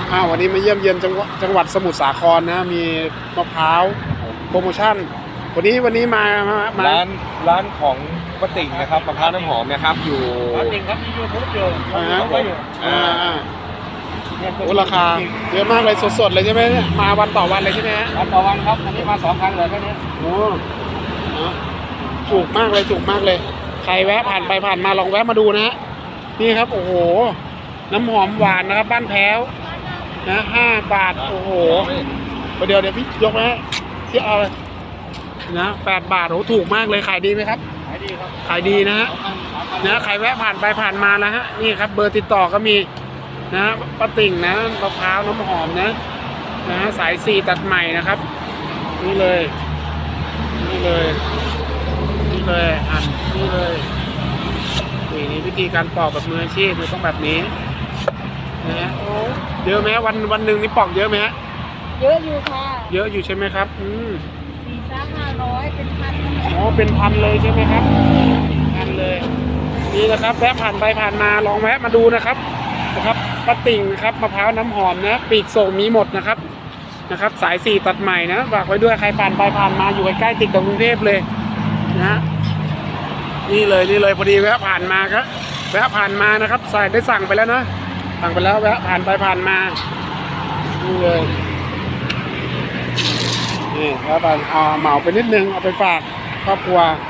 วันนี้มาเยี่ยมเยียนจังหวัดสมุทรสาครนะมีมะพร้าวโปรโมชั่นวันนี้มาร้านของป้าติ่งนะครับมะพร้าวน้ำหอมนะครับอยู่ป้าติ่งครับมียูทูบอยู่โอ้ราคาเยอะมากเลยสดๆเลยใช่ไหมเนี่ยมาวันต่อวันเลยใช่ไหมฮะวันต่อวันครับอันนี้มา2 ครั้งเลยแค่นี้โอ้ถูกมากเลยใครแวะผ่านไปผ่านมาลองแวะมาดูนะฮะนี่ครับโอ้โหน้ำหอมหวานนะครับบ้านแพ้วนะ5 บาทโอ้โหเดี๋ยวพี่ยกไหมที่เอาเลยนะ8 บาทโอ้ถูกมากเลยขายดีไหมครับขายดีครับขายดีนะฮะใครแวะผ่านไปผ่านมานะฮะนี่ครับเบอร์ติดต่อก็มีนะป้าติ่งนะมะพร้าวน้ำหอมนะสาย4ตัดใหม่นะครับนี่เลยนี่เลยนี่วิธีการปอกแบบมืออาชีพมันต้องแบบนี้นะเยอะไหมวันหนึ่งนี่ปอกเยอะไหมฮะเยอะอยู่ค่ะเยอะอยู่ใช่ไหมครับ 400-500เป็นพันเป็นพันเลยใช่ไหมครับพันเลยนี่นะครับแวะผ่านไปผ่านมาลองแวะมาดูนะครับป้าติ่งนะครับมะพร้าวน้ำหอมนะปีกส่งมีหมดนะครับสาย4ตัดใหม่นะฝากไว้ด้วยใครผ่านไปผ่านมาอยู่ใกล้ๆติดกับกรุงเทพเลยนะนี่เลยพอดีแวะผ่านมาครับแวะผ่านมานะครับได้สั่งไปแล้วนะสั่งไปแล้วแวะผ่านไปผ่านมานี่เลยนี่แล้วเอาเหมาไปนิดนึงเอาไปฝากครอบครัว